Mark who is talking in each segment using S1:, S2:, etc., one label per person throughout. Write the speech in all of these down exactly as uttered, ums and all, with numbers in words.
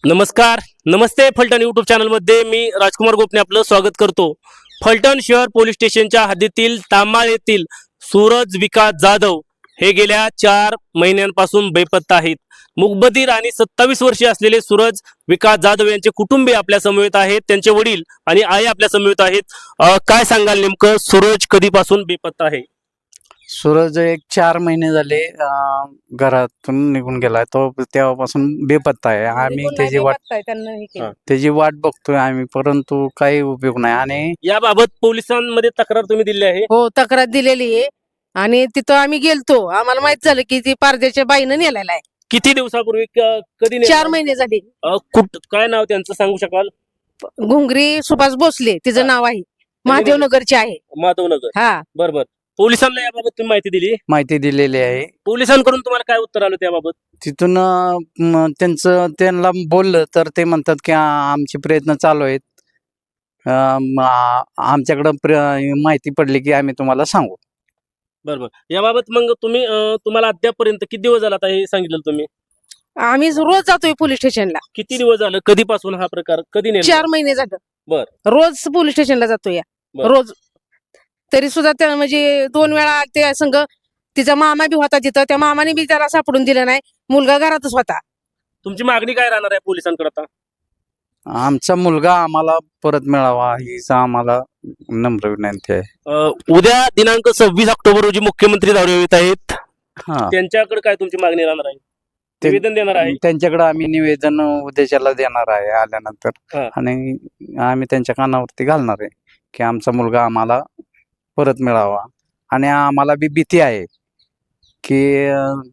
S1: नमस्कार, नमस्ते फलटण यूट्यूब चॅनलमध्ये मी राजकुमार गोपने आपलं स्वागत करतो। फलटण शहर पोलीस स्टेशनच्या हद्दीतील तांबाळ येथील सूरज विकास जाधव हे गेल्या चार महिन्यांपासून बेपत्ता आहेत। मुकबधीर आणि सत्तावीस वर्षीय असलेले सूरज विकास जाधव यांचे कुटुंबीय आपल्या समवेत आहेत, त्यांचे वडील आणि आई आपल्या समवेत आहेत। काय सांगाल नेमकं सूरज कधीपासून बेपत्ता आहे?
S2: सूरज एक चार महिने झाले घरातून निघून गेलाय, तो तेव्हापासून बेपत्ता आहे। आम्ही त्याची वाट त्याची वाट बघतोय आम्ही, परंतु काही उपयोग नाही। आणि
S1: याबाबत पोलिसांमध्ये तक्रार तुम्ही दिली आहे?
S3: हो, तक्रार दिलेली आहे आणि तिथं आम्ही गेलतो, आम्हाला माहित झालं की ती पारदेच्या बाईनं नेलेला आहे।
S1: किती दिवसापूर्वी? कधी नेलं?
S3: चार महिने झाले।
S1: कुठ काय नाव त्यांचं सांगू शकाल?
S3: घुंगरी सुभाष भोसले तिचं नाव आहे, महादेवनगरचे आहे।
S1: माधवनगर,
S3: हा
S1: बरोबर। पोलिसांना याबाबत तुम्ही माहिती दिली?
S2: माहिती दिलेली आहे।
S1: पोलिसांकडून तुम्हाला काय उत्तर आलं त्याबाबत?
S2: तिथून अं, त्यांचं त्यांना बोललं तर ते म्हणतात की आ- आमचे प्रयत्न चालू आहेत, अं, आ- आमच्याकडं प्र- माहिती पडली की आम्ही तुम्हाला सांगू।
S1: बरोबर। याबाबत मग तुम्ही अं, तुम्हाला अद्यापपर्यंत किती दिवस झाला आता हे सांगितलं तुम्ही?
S3: आम्ही रोज जातोय पोलीस स्टेशनला।
S1: किती दिवस झालं? कधीपासून हा प्रकार कधी नेमका?
S3: चार महिने झालं।
S1: बर।
S3: रोज पोलीस स्टेशनला जातोय
S1: बर.
S3: रोज। तरी सुद्धा त्या म्हणजे दोन वेळा ते संघ तिचा मामा बी होता तिथं, त्या मामाने बी त्याला सापडून दिलं नाही, मुलगा घरातच होता।
S1: तुमची मागणी काय राहणार आहे पोलिसांकडे आता?
S2: आमचा मुलगा आम्हाला परत मिळावा हीच आम्हाला नम्र विनंती आहे।
S1: अं, उद्या दिनांक सव्वीस ऑक्टोबर रोजी मुख्यमंत्री दौऱ्यावर येत आहेत,
S2: हा,
S1: त्यांच्याकडे काय तुमची मागणी राहणार आहे?
S2: ते-
S1: निवेदन देणार आहे?
S2: त्यांच्याकडे आम्ही निवेदन उद्याच्याला देणार आहे आल्यानंतर,
S1: हा.
S2: आणि आम्ही त्यांच्या कानावरती घालणार आहे की आमचा मुलगा आम्हाला परत मिळावा। आणि आम्हाला बी भीती आहे की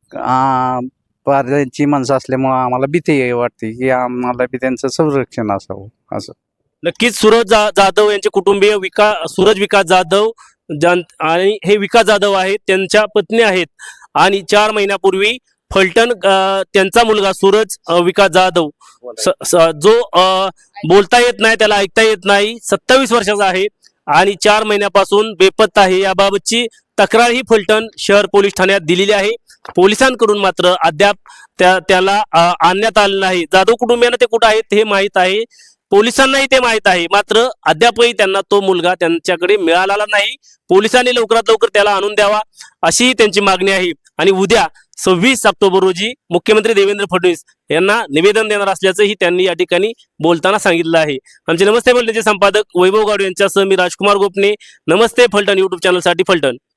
S2: पारध्यांची माणसं असल्यामुळं आम्हाला भीती वाटते की आम्हाला बी त्यांचं संरक्षण असावं असं।
S1: नक्कीच सूरज जा, जाधव यांचे कुटुंबीय विकास सूरज विकास जाधव जान आणि हे विकास जाधव आहेत, त्यांच्या पत्नी आहेत आणि चार महिन्यापूर्वी फलटण अं, त्यांचा मुलगा सूरज अं, विकास जाधव स, स, जो अं, बोलता येत नाही, त्याला ऐकता येत नाही, सत्तावीस वर्षाचा आहे आणि चार महिन्यापासून बेपत्ता आहे। याबाबतची तक्रार ही फलटण शहर पोलीस ठाण्यात दिलेली आहे। पोलिसांकडून मात्र अद्याप त्या त्याला अं, आणण्यात आलं नाही। जाधव कुटुंबियांना ते कुठं आहेत हे माहीत आहे, पोलिसांनाही ते माहीत आहे, मात्र अद्यापही त्यांना तो मुलगा त्यांच्याकडे मिळालेला नाही। पोलिसांनी लवकरात लवकर त्याला आणून द्यावा अशी त्यांची मागणी आहे। आणि उद्या सव्वीस ऑक्टोबर रोजी मुख्यमंत्री देवेंद्र फडणवीस यांना निवेदन देणार असल्याचंही त्यांनी या ठिकाणी बोलताना सांगितलं आहे। आमचे नमस्ते फलटणचे संपादक वैभव गाडू यांच्यासह मी राजकुमार गोपने, नमस्ते फलटण यूट्यूब चॅनलसाठी फलटण।